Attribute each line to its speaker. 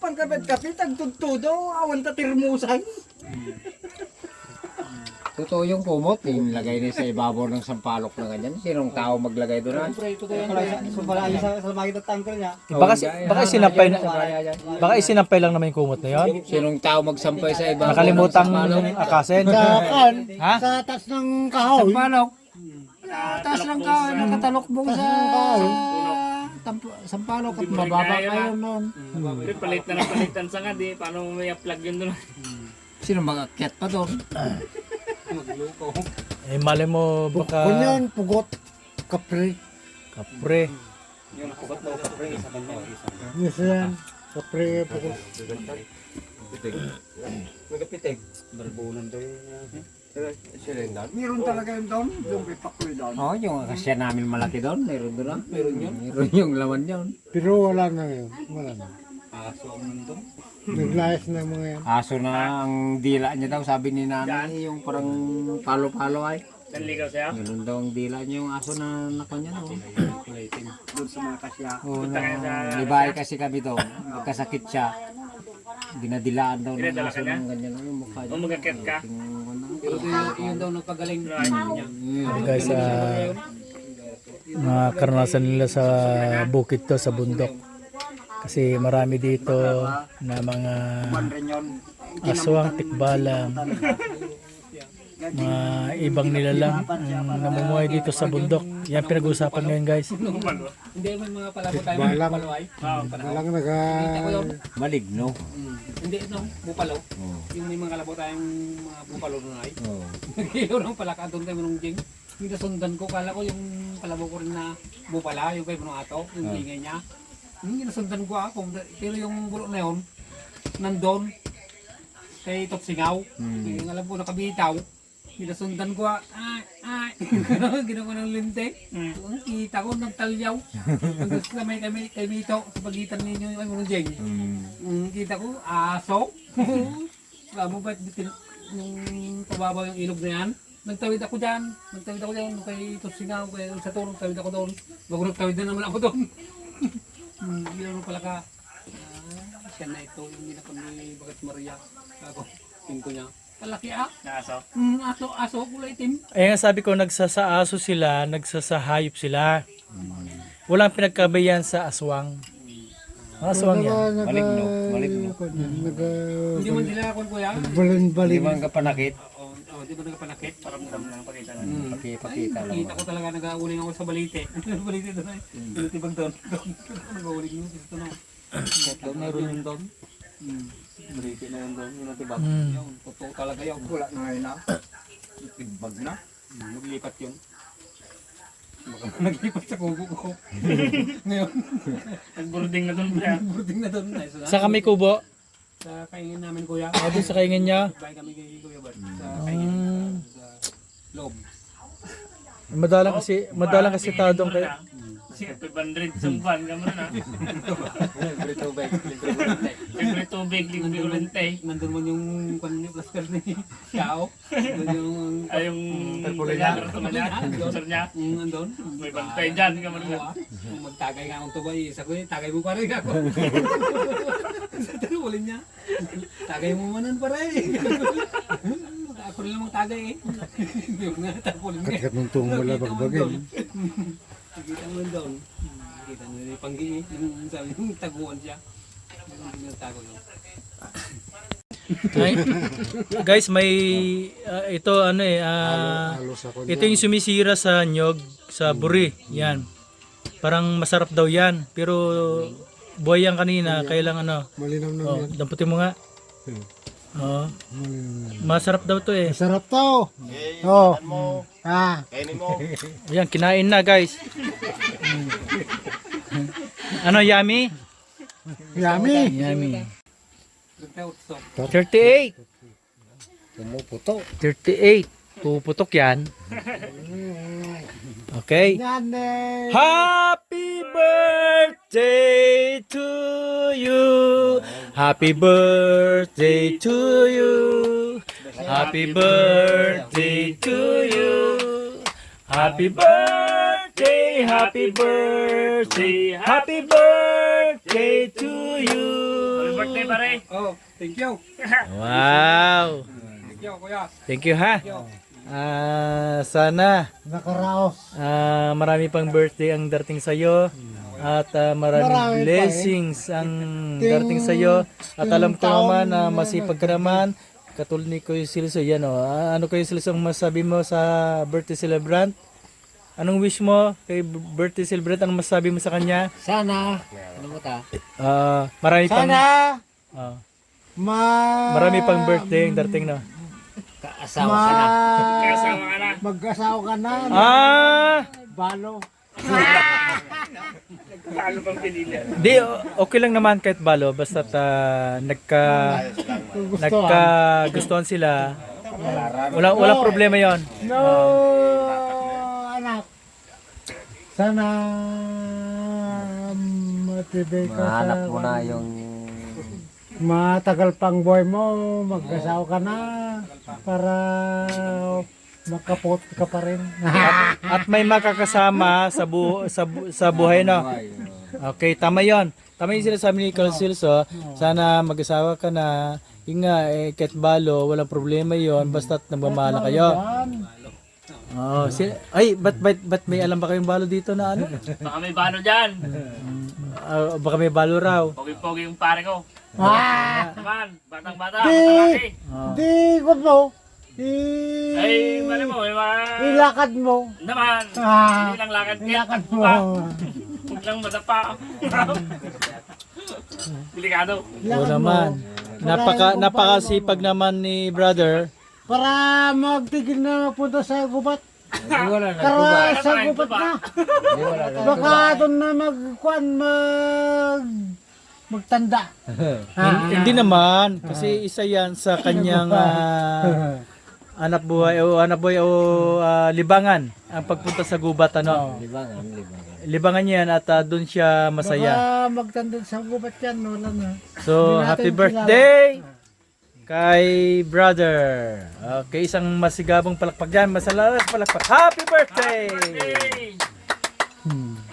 Speaker 1: pangkapit-kapit, ang tuttudo, awan ta tirmusan.
Speaker 2: Totoo yung kumot, yung lagay niya sa ibabaw ng sampalok na ganyan. Sinong tao maglagay doon?
Speaker 3: Baka isinampay lang naman yung kumot na yun.
Speaker 2: Sinong tao magsampay sa ibabaw
Speaker 3: Nakalimutang
Speaker 2: ng sampalok?
Speaker 3: akasin. Ha?
Speaker 1: Sa taas ng kahoy.
Speaker 2: Sampalok.
Speaker 1: Taas ng kahoy, nakatalokbong sa sampalok at mababa kayo noon.
Speaker 4: Palit na ng palitan sa nga, di paano may plug yun doon.
Speaker 2: Sino mag-akyat pa doon?
Speaker 3: Eh, mali mo baka...
Speaker 1: Kunyan, pugot, kapre.
Speaker 3: Kapre.
Speaker 1: Yes, yan. Kapre, pugot.
Speaker 2: Magapitig. Barbunan daw yun.
Speaker 1: Meron talaga yun doon, yung pipakoy doon.
Speaker 2: Oo, yung akasya namin malaki doon. Meron doon lang. Meron yun. Meron yung laman yun.
Speaker 1: Pero wala na yun. Wala na. Naglayas na mga yan.
Speaker 2: Aso na ang dila niya daw, sabi ni nanay, yung parang palo-palo ay.
Speaker 4: Nanligaw siya?
Speaker 2: Ganun daw ang dila niya yung aso na nakanya no.
Speaker 1: Doon sa mga kasya.
Speaker 2: Oo, libay kasi kami doon. Magkasakit siya. Dinadilaan daw ng aso ng ganyan yung mukha niya.
Speaker 4: O magkakit ka?
Speaker 2: Pero yun daw nagpagaling.
Speaker 3: Guys, mga karanasan nila sa bukid to, sa bundok. Kasi marami dito na mga aswang, tikbalang, mga ibang nilalang ang namumuhay dito sa bundok. Yan pinag-uusapan ngayon guys.
Speaker 2: Hindi may mga palabo tayo.
Speaker 1: Walang naga...
Speaker 2: Maligno.
Speaker 4: Hindi, no? Bupalo. Yung may mga kalabo tayong mga bupalo doon ay.
Speaker 2: Oo.
Speaker 4: Nagkilo ng palaka doon tayo manong jing. Yung nasundan ko, kala ko yung kalabo ko rin na bupala, yung kay Manong Ato, yung ingay niya. Yung nasundan ko ako, pero yung bulok na yun, nandun, kay Topsingaw, yung alam ko nakabitaw, nasundan ko, ginawa ko ng linte, ang kita ko nagtalyaw, hanggang sa may kay Mito, sa pagitan ninyo yung Manong Jeng. Kita ko, aso, alam mo ba, yung pababaw yung ilog na yan, nagtawid ako dyan, kay Topsingaw, kay sa turong, nagtawid ako doon, bago nagtawid na naman ako doon. Ginawa pala ka, siya na ito, yung ginapon ni Bagat Maria, ako, pinto niya. Kalaki aso? Aso, kulay itim.
Speaker 3: Eh nga sabi ko, nagsasaaso sila, nagsasahayop sila. Walang pinagkabayan sa aswang. Ang aswang yan.
Speaker 2: Maligno. Maligno.
Speaker 4: Hindi man sila ako kuya.
Speaker 2: Hindi man kapanakit.
Speaker 4: Di ba nagpanakit? Paramdam lang pakita lang.
Speaker 2: Pakita lang.
Speaker 4: Kita ko talaga nag-uuling ako sa balite. Balite doon ay. Balite doon. Nag-uuling yun. Ito na. Ito meron yun doon. Balite na yun doon. Yun ang tibag. Yung totoo talaga yun.
Speaker 1: Wala na ngayon na. Tibag na.
Speaker 4: Naglipat yun. Baka naglipat sa kubo ko. Ngayon. Nag-boarding na doon. Boarding na doon.
Speaker 3: Sa kami kubo,
Speaker 4: Sa kaingin namin kuya.
Speaker 3: doon sa kaingin niya.
Speaker 4: Bahay kami kay Kuya Bart. Sa kaingin. Sa loob.
Speaker 3: Madalang kasi tao doon kay...
Speaker 4: Kasi 500 sa buwan ka mo na. Libre tubig. Libre tubig, libre ulente. Nandun mo yung plaster ni Xiao. Nandun yung sponsor niya. Nandun. May bantay dyan ka mo na. Kung magtagay nga akong tubay, isa ko tagay mo pa rin ako. Sa tinulin niya. Tagay mo manan pa rin. Ako rin lang magtagay eh. Hindi mo nga tapulin nga.
Speaker 1: Kagat ng tungo wala bagbagay.
Speaker 4: Nakita mo doon. Nakita mo yung panggi eh. Yung sabi yung taguan siya. Yung tago yun.
Speaker 3: Guys, may ito ito yung sumisira sa nyog, sa buri. Yan. Parang masarap daw yan. Pero buhay yan kanina, kailang
Speaker 1: Malinaw na yan.
Speaker 3: damputin mo nga. Masarap daw to eh.
Speaker 1: Masarap to. Oh.
Speaker 3: Ayan, kinain na guys. Yummy?
Speaker 1: Yummy.
Speaker 3: Yummy.
Speaker 4: 38.
Speaker 3: 38. Puputok yan. Okay. Happy birthday to you. Happy birthday to you. Happy birthday to you. Happy birthday, happy birthday, happy birthday to you.
Speaker 4: Happy birthday
Speaker 5: pare.
Speaker 4: Oh, thank you.
Speaker 3: Wow.
Speaker 4: Thank you, kuya.
Speaker 3: Thank you ha. Sana
Speaker 1: Nakaraos.
Speaker 3: marami pang birthday ang darating sa iyo at maraming blessings ang darating sa iyo at alam ko naman na masipag ka naman katulad ni Kuya Silso yan oh. Ano Kuya Silso ang masabi mo sa birthday celebrant? Anong wish mo kay birthday celebrant? Anong masabi mo sa kanya?
Speaker 2: Sana, ano mo ta?
Speaker 3: Marami pang
Speaker 1: Sana
Speaker 3: ah,
Speaker 1: ma
Speaker 3: marami pang birthday ang darating na.
Speaker 2: Kaasawa ka na.
Speaker 5: Kasama ka na.
Speaker 1: mag-asawa ka na. Balo.
Speaker 5: Paano bang pinili?
Speaker 3: Di, okay lang naman kahit balo basta nagkagustuhan sila. Wala problema 'yon.
Speaker 1: No, anak. Sana matibay ka
Speaker 2: Mahanap mo na yung
Speaker 1: matagal pang buhay mo, mag-asawa ka na para makapot ka pa rin.
Speaker 3: At may makakasama sa buhay no. Okay, tama 'yon. Tama 'yung sinasabi ni Carl Silso, sana mag-asawa ka na. Yung nga kahit balo, walang problema 'yon basta't nagmamahal kayo. Oh, ba't may alam ba kayong balo dito na ano?
Speaker 5: Baka may bano dyan.
Speaker 3: Baka may balo raw.
Speaker 5: Pogi-pogi yung pare ko. Naman, batang-bata,
Speaker 1: Di,
Speaker 5: matalaki.
Speaker 1: di ko mo.
Speaker 5: Ay, mali mo, may mga...
Speaker 1: Ilakad mo.
Speaker 5: Naman,
Speaker 1: Ah,
Speaker 5: hindi lang lakad kit.
Speaker 1: ilakad mo.
Speaker 5: Huwag lang madapa. Delikado.
Speaker 3: Oo naman. Napakasipag naman ni brother.
Speaker 1: Para magtigil na punta sa gubat.
Speaker 2: Hindi wala na.
Speaker 1: Para sa gubat na.
Speaker 2: Hindi wala na.
Speaker 1: Baka doon na magtanda.
Speaker 3: Hindi naman kasi isa 'yan sa kanyang anak buhay o libangan ang pagpunta sa gubat ano.
Speaker 2: Libangan.
Speaker 3: Libangan 'yan at doon siya masaya.
Speaker 1: Baka magtanda sa gubat yan. Wala na.
Speaker 3: So,
Speaker 1: Hindi natin
Speaker 3: happy
Speaker 1: kilala.
Speaker 3: birthday kay brother. Okay, isang masigabong palakpak dyan. Masalalas palakpak. Happy birthday!
Speaker 5: Hey!